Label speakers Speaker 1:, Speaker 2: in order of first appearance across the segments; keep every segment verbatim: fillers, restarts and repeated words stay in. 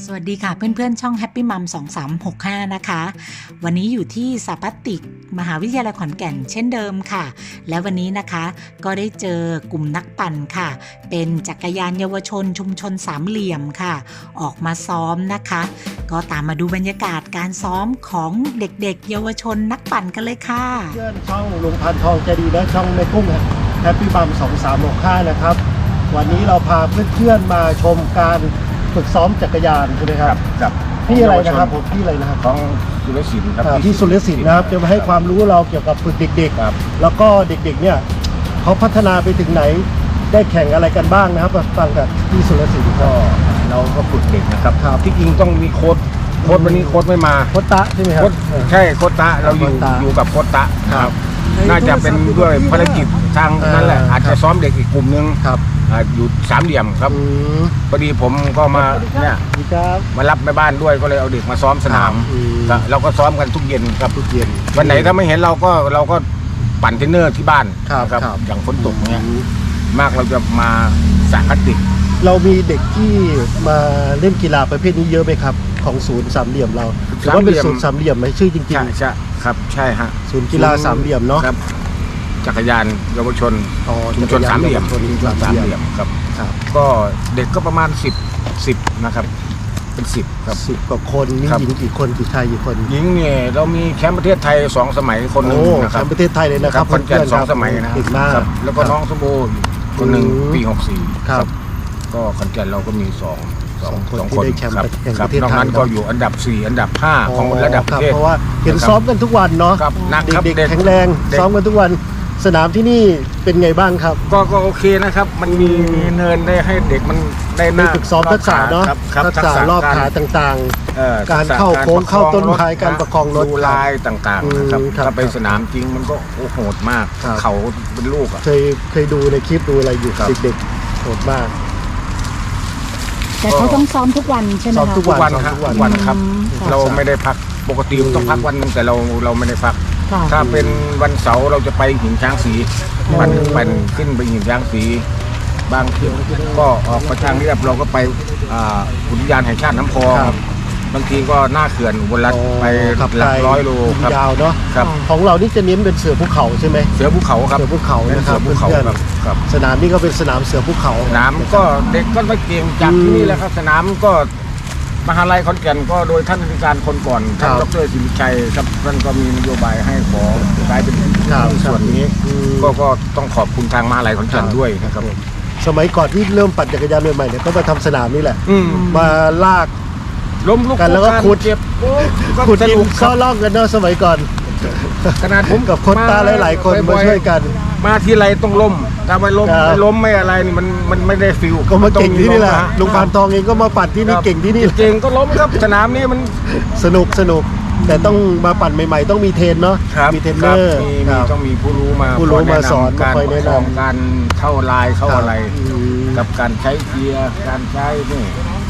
Speaker 1: สวัสดีค่ะเพื่อนๆช่อง Happy Mom สองสามหกห้านะคะวันนี้อยู่ที่สถาปัตย์มหาวิทยาลัยขอนแก่นเช่นเดิมค่ะและวันนี้นะคะก็ได้เจอกลุ่มนักปั่นค่ะเป็นจักรยานเยาวชนชุมชนสามเหลี่ยมค่ะออกมาซ้อมนะคะก็ตามมาดูบรรยากาศการซ้อมของเด็กๆเยาวชนนักปั่นกันเลยค่ะ
Speaker 2: เพื่อนช่องลุงพันทองใจดีและช่องแม่กุ้ง Happy Mom สองสามหกห้านะครับวันนี้เราพาเพื่อนๆมาชมการฝึกซ้อมจักรยานใช่ไหมครับ
Speaker 3: กับ
Speaker 2: พี่อะไรนะครับผมพี่อะไรนะครับ
Speaker 3: ของสุรศิลป์ครับ
Speaker 2: พี่สุรศิลป์นะครับจะมาให้ความรู้เราเกี่ยวกับฝึกเด็กๆแล้วก็เด็กๆเนี่ยเขาพัฒนาไปถึงไหนได้แข่งอะไรกันบ้างนะครับฟังกับพี่สุรศิลป์
Speaker 3: ก็เราก็ฝึกเด็กนะครับที่จริงต้องมีโค้ชโค้ชวันนี้โค้ชไม่มา
Speaker 2: โค้ชตะใช่ไหมครับ
Speaker 3: ใช่โค้ชตะเราอยู่อยู่กับโค้ชตะครับน่าจะเป็นด้วยภารกิจทางนั้นแหละอาจจะซ้อมเด็กอีกกลุ่มนึงอยู่สามเหลี่ยมครับพอดีผมก็มาเนี่ยมารับแม่บ้านด้วยก็เลยเอาเด็กมาซ้อมสนามเราก็ซ้อมกันทุกเย็นครับทุกเย็นวันไหนถ้าไม่เห็นเราก็เราก็ปั่นเทรนเนอร์ที่บ้านครับอย่างฝนตกเนี่ยมากเราจะมาสาคัดเด็ก
Speaker 2: เรามีเด็กที่มาเล่นกีฬาประเภทนี้เยอะไหมครับของศูนย์สามเหลี่ยมเราหรือว่าเป็นศูนย์สามเหลี่ยมไหมชื่อจริงๆ
Speaker 3: ใช่ใช่ครับใช่ฮะ
Speaker 2: ศูนย์กีฬาสามเหลี่ยมเนาะ
Speaker 3: จักรยานเยาวชนชุมชนสามเหลี่ยมสามเหลี่ยมครับก็เด็กก็ประมาณสิบสิบนะครับเป็นสิบครับ
Speaker 2: สิบกว่าคนมีหญิงกี่คนกี่ชายกี่คน
Speaker 3: หญิงเนี่ยเรามีแชมป์ประเทศไทยสองสมัยคนหนึ่งนะครับ
Speaker 2: แชมป์ประเทศไทยเลยนะครับ
Speaker 3: คนแก่สองสมัยนะครับแล้วก็น้องสมบูรณ์คนหนึ่งปีหกสี่ครับก็ขอนแก่นเราก็มีสองสองคน
Speaker 2: ที่ได้แชมป์
Speaker 3: ประเทศไทยนอกนั้นก็อยู่อันดับสี่อันดับห้าของระดับประเทศ
Speaker 2: เพราะว่าเห็นซ้อมกันทุกวันเนาะเด็กๆแข็งแรงซ้อมกันทุกวันสนามที่นี่เป็นไงบ้างครับ
Speaker 3: ก็ก็โอเคนะครับมันมีเนินได้ให้เด็กมันได้
Speaker 2: ได้ฝึกซ้อมทักษะเนาะทักษะรอบขาต่างๆการเข้าโค้งเข้าต้นไม้การประคองรถ
Speaker 3: ลายต่างๆนะครับถ้าไปสนามจริงมันก็โหดมากเขาเป็นลูกอ่ะ
Speaker 2: เคยเคยดูในคลิปดูอะไรอยู่เด็กๆโหดมาก
Speaker 1: แต่เขาต้องซ้อมทุกวันใช่ไหมคะ
Speaker 3: ซ้อมทุกวันครับทุกวันครับเราไม่ได้พักปกติต้องพักวันนึงแต่เราเราไม่ได้พักถ้าเป็นวันเสาร์เราจะไปหินช้างสีปั่นปั่นขึ้นไปหินช้างสีบางทีก็ออกไปทางเรียบเราก็ไปอุทยานแห่งชาติน้ำพองบางทีก็หน้าเขื่อนบนลัดไปหลักร้อยโล
Speaker 2: ยาวเนาะของเรานี่จะเน้นเป็นเสือภูเขาใช่ไหม
Speaker 3: เสือภูเขาครับ
Speaker 2: เสือภูเขานะครับ
Speaker 3: เสือภูเขาครับ
Speaker 2: สนามนี้ก็เป็นสนามเสือภูเขา
Speaker 3: สนามก็เด็กก็ไม่เก่งจากที่นี่แหละครับสนามก็มหาลัยขอนแก่นก็โดยท่านผู้การคนก่อนท่านดร.สิริชัยครับท่านก็มีนโยบายให้ขอกลายเป็นส่วนนี้ก็ก็ต้องขอบคุณทางมหาลัยขอนแก่นด้วยนะครับ
Speaker 2: สมัยก่อนที่เริ่มปั่นจักรยานใหม่ๆเนี่ยก็มาทำสนามนี่แหละมาลาก
Speaker 3: ล้มลุก
Speaker 2: กันแล้วก็ขุดเจ็บขุดดินเข้าล่องกันเนาะสมัยก่อน
Speaker 3: ขนาดผม
Speaker 2: กับคนตาหลายๆคนมาช่วยกัน
Speaker 3: มาที่ไรต้องล้มถ้าไม่ล้มไม่ล้มไม่อะไรนี่มันมันไม่ได้ฟิล
Speaker 2: ก็มาเก่งที่นี่แหละลุงพานทองเองก็มาปั่นที่นี่เก่งที่นี่
Speaker 3: เก่งก็ล้มครับสนามนี้มัน
Speaker 2: สนุกสนุกแต่ต้องมาปั่นใหม่ๆต้องมีเทรนเนาะมีเทรนเนอร์
Speaker 3: ต้องมีผู้รู้มา
Speaker 2: ผู้รู้มาสอน
Speaker 3: การประคองการเข้าลายเข้าอะไรกับการใช้เกียร์การใช้นี่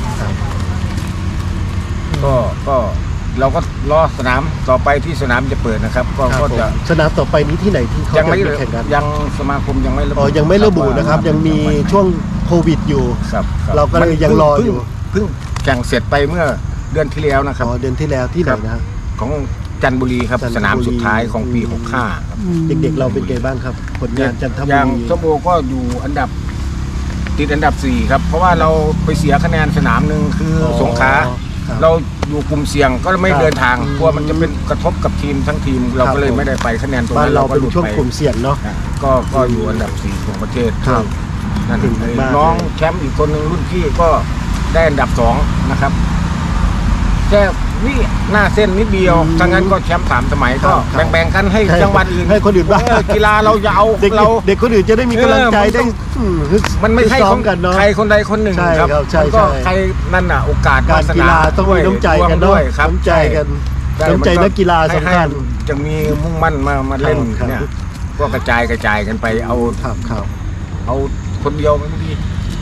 Speaker 3: ก็ก็เราก็รอสนามต่อไปที่สนามจะเปิดนะครับก็ก็จะ
Speaker 2: สนามต่อไปนี้ที่ไหนที่เขาจะแข่งกัน
Speaker 3: ยังสมาคมยังไม่ระบุ
Speaker 2: อ๋อยังไม่ระบุนะครับยังมีช่วงโควิดอยู่เราก็เลยยังรออยู่
Speaker 3: เพิ่งแข่งเสร็จไปเมื่อเดือนที่แล้วนะครับ
Speaker 2: อ๋อเดือนที่แล้วที่ไหนนะ
Speaker 3: ของจันทบุรีครับสนามสุดท้ายของปีหกสิบห้าครับ
Speaker 2: เด็กๆเราเป็นไงบ้างครับผลงานจันทบุรี
Speaker 3: อย่างสมโบก็อยู่อันดับติดอันดับสี่ครับเพราะว่าเราไปเสียคะแนนสนามหนึ่งคือสงขลาเราอยู่กลุ่มเสี่ยงก็ไม่เดินทางกลัวมันจะเป็นกระทบกับทีมทั้งทีมเราก็เลยไม่ได้ไปคะแนนตรงนั้น
Speaker 2: เราเป็นช่วงกลุ่มเสี่ยงเนาะ
Speaker 3: ก็ก็อยู่อันดับสี่ของประเทศนั่นน้องแชมป์อีกคนหนึ่งรุ่นพี่ก็ได้อันดับสองนะครับแค่วิหน้าเส้นนิดเดียวทั้งนั้นก็แชมป์สามสมัยก็แบ่งๆกันให้จังหวัดอื่น
Speaker 2: ให้คนอื่นบ้าง
Speaker 3: กีฬาเราจะเอา
Speaker 2: เราเด็กคนอื่นจะได้มีกำลังใจได้
Speaker 3: มันไม่ใช่ของใครคนใดคนหนึ่งครับก็ใครนั่นน่ะโอกาส
Speaker 2: การกีฬาต้องมีน้ำใจกันด้วยน้ำใจกันน้ำใจนักกีฬาสำคัญ
Speaker 3: จะมีมุ่งมั่นมามาเล่นเนี่ยก็กระจายกระจายกันไปเอาเอาคนเดียวไม่ดี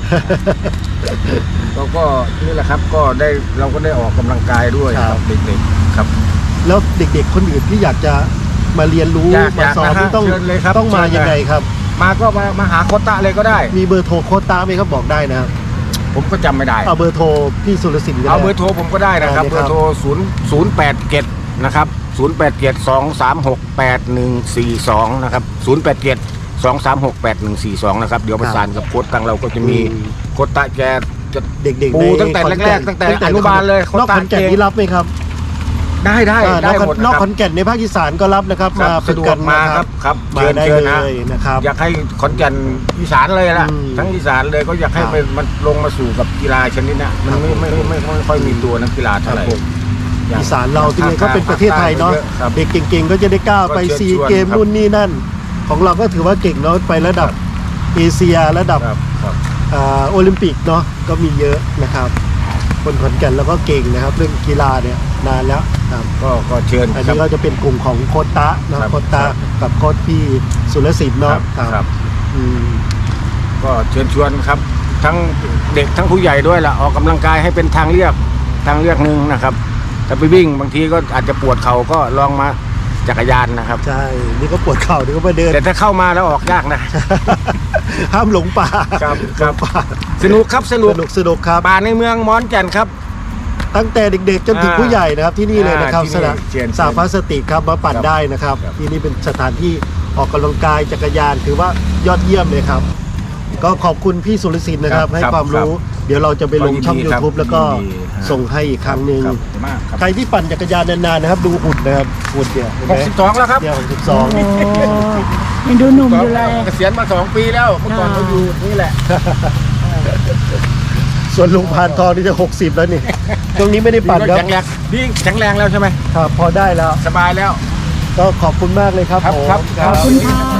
Speaker 3: เราก็นี่แหละครับก็ได้เราก็ได้ออกกำลังกายด้วยครับเด็กๆครับ
Speaker 2: แล้วเด็กๆคนอื่นที่อยากจะมาเรียนรู้มาสอนต้องต้องมายังไงครับ
Speaker 3: มาก็มามาหาโค้ชตะเลยก็ได้
Speaker 2: มีเบอร์โทรโค้ชตะไหมครับบอกได้นะครับ
Speaker 3: ผมก็จำไม่ได้
Speaker 2: เอาเบอร์โทรพี่สุรสินก็ได้
Speaker 3: เอาเบอร์โทรผมก็ได้นะครับ
Speaker 2: ได้เลย
Speaker 3: เบ
Speaker 2: ค
Speaker 3: อ
Speaker 2: รับ
Speaker 3: ร์โทรศูนย์ศูนย์แปดเจ็ดนะครับศูนย์แปดเจ็ดสองสามหกแปดหนึ่งสี่สองนะครับศูนย์แปดเจ็ดสองสามหกแปดหนึ่งสี่สองนะครับเดี๋ยวประสานกับโค้ชตังเราก็จะมี
Speaker 2: อืม
Speaker 3: โค้ชตะแกจะ
Speaker 2: เด็กๆ
Speaker 3: ปู
Speaker 2: ใน
Speaker 3: ตั้งแต่
Speaker 2: ขอน
Speaker 3: แร
Speaker 2: ก่
Speaker 3: กๆตั้งแต่อนุบาลเลย
Speaker 2: นอกขอนแก่น
Speaker 3: โค้ชตะ
Speaker 2: นี่รับไหมครับ
Speaker 3: ได้ได้
Speaker 2: อ่า
Speaker 3: ได้
Speaker 2: นอก
Speaker 3: หมด
Speaker 2: นอก
Speaker 3: นะค
Speaker 2: ข
Speaker 3: รับ
Speaker 2: อนแก่นในภาคอีสานก็รับนะครับ
Speaker 3: ครับ
Speaker 2: มา
Speaker 3: สะดว
Speaker 2: ฝึ
Speaker 3: ก
Speaker 2: น
Speaker 3: มา
Speaker 2: นะครับ
Speaker 3: ครับ
Speaker 2: มา
Speaker 3: เชิญ
Speaker 2: ได้
Speaker 3: เชิญ
Speaker 2: เล
Speaker 3: นะ
Speaker 2: ยนะครับ
Speaker 3: อยากให้ขอนแก่นอีสานเลยล่ะ
Speaker 2: อืม
Speaker 3: ทั้งอีสานเลยก็อยากให้
Speaker 2: ครับ
Speaker 3: มันมันลงมาสู่กับกีฬาชนิดเนี้ยมันไม่
Speaker 2: ครับ
Speaker 3: ไม่ไม่ไม่ไม่ค่อยมีตัวนักกีฬาเท่าไหร่
Speaker 2: ครับผม
Speaker 3: ย่ง
Speaker 2: อีสานเราที่นี่ก็เป็นประเทศไทยเนาะ
Speaker 3: ครับ
Speaker 2: เด็กเก่งๆ ก็จะได้ก้าวไป
Speaker 3: ก็เชิญ
Speaker 2: ซี
Speaker 3: ชวน
Speaker 2: เกม
Speaker 3: ครับ
Speaker 2: นู่นนี่นั่น ของเราก็ถือว่าเก่งเนาะไประดับเอเชียระดับ
Speaker 3: ครับครับ
Speaker 2: อ่าโอลิมปิกเนาะก็มีเยอะนะครับ คนขอนแก่นแล้วก็เก่งนะครับ เรื่องกีฬาเนี่ยนานแล้วครับ
Speaker 3: ก็ก็เชิญ
Speaker 2: อัน
Speaker 3: ครั
Speaker 2: นี้
Speaker 3: บ
Speaker 2: ก็จะเป็นกลุ่มของโค้ชตะเนาะ
Speaker 3: ครับ
Speaker 2: โค้ชตะ
Speaker 3: ครับ
Speaker 2: กับโค้ชพี่สุรศิลป์
Speaker 3: ค
Speaker 2: เนาะ
Speaker 3: รับครับ
Speaker 2: อืม
Speaker 3: ก็เชิญชวนครับ ทั้งเด็กทั้งผู้ใหญ่ด้วยล่ะออกกำลังกายให้เป็นทางเลือกทางเลือกหนึ่งนะครับแต่ไปวิ่งบางทีก็อาจจะปวดเข่าก็ลองมาจักรยานนะครับ
Speaker 2: ใช่นี่ก็ปวดเข่านี่ก็มาเดิน
Speaker 3: แต่ถ้าเข้ามาแล้วออกยากนะ
Speaker 2: ห้ามหลงป่า
Speaker 3: ครับ
Speaker 2: หลงป่า
Speaker 3: สนุกครับสนุก
Speaker 2: สนุกสนุกครับ
Speaker 3: ป่าในเมืองมอนแก่นครับ
Speaker 2: ตั้งแต่เด็กๆจนถึง
Speaker 3: อ่า
Speaker 2: ผู้ใหญ่นะครับที่นี่เลยนะครับ
Speaker 3: อ่าที่
Speaker 2: ส
Speaker 3: นี่
Speaker 2: นาม
Speaker 3: เชิญ
Speaker 2: สาพลาสติกครับมาปั่น
Speaker 3: ครับ
Speaker 2: ได้นะครับ
Speaker 3: ครับ
Speaker 2: ที่นี่เป็นสถานที่ออกกำลังกายจักรยานถือว่ายอดเยี่ยมเลยครับ ก็ขอบคุณพี่สุรศิลป์นะครับ
Speaker 3: ครับ
Speaker 2: ให้
Speaker 3: ครับ
Speaker 2: ความรู้ เดี๋ยวเราจะไปลงช่อง
Speaker 3: ยินดีครับ
Speaker 2: YouTube แล้วก็
Speaker 3: ยินดีฮะ
Speaker 2: ส่งให้อีกครั้งหนึ่ง
Speaker 3: ครับขอบคุณมากครับ
Speaker 2: ใครที่ปั่นจักรยานนานๆนะครับ ดูหุ่นนะครับหุ่นเนี่ยเห็น
Speaker 3: ห
Speaker 2: ไหม
Speaker 3: กสิบสองแล้วครับ
Speaker 2: เนี่ยหกสิบสอง
Speaker 1: โอ้ยังดูหนุ่มอยู่เลย
Speaker 3: เกษียณมาสองปีแล้วเมื่อก่อนเขาอยู่นี่แหละ
Speaker 2: ส่วนลุงพานทองนี่จะหกสิบแล้วนี่ช่วงนี้ไม่ได้ปั่นครับ
Speaker 3: แข็งแรงนี่แข็งแรงแล้วใช่ไหม
Speaker 2: ครับพอได้แล้ว
Speaker 3: สบายแล้ว
Speaker 2: ก็ขอบคุณมากเลยครับ
Speaker 3: ครับ
Speaker 2: ผม
Speaker 3: ครับ
Speaker 1: ขอบคุณค่ะ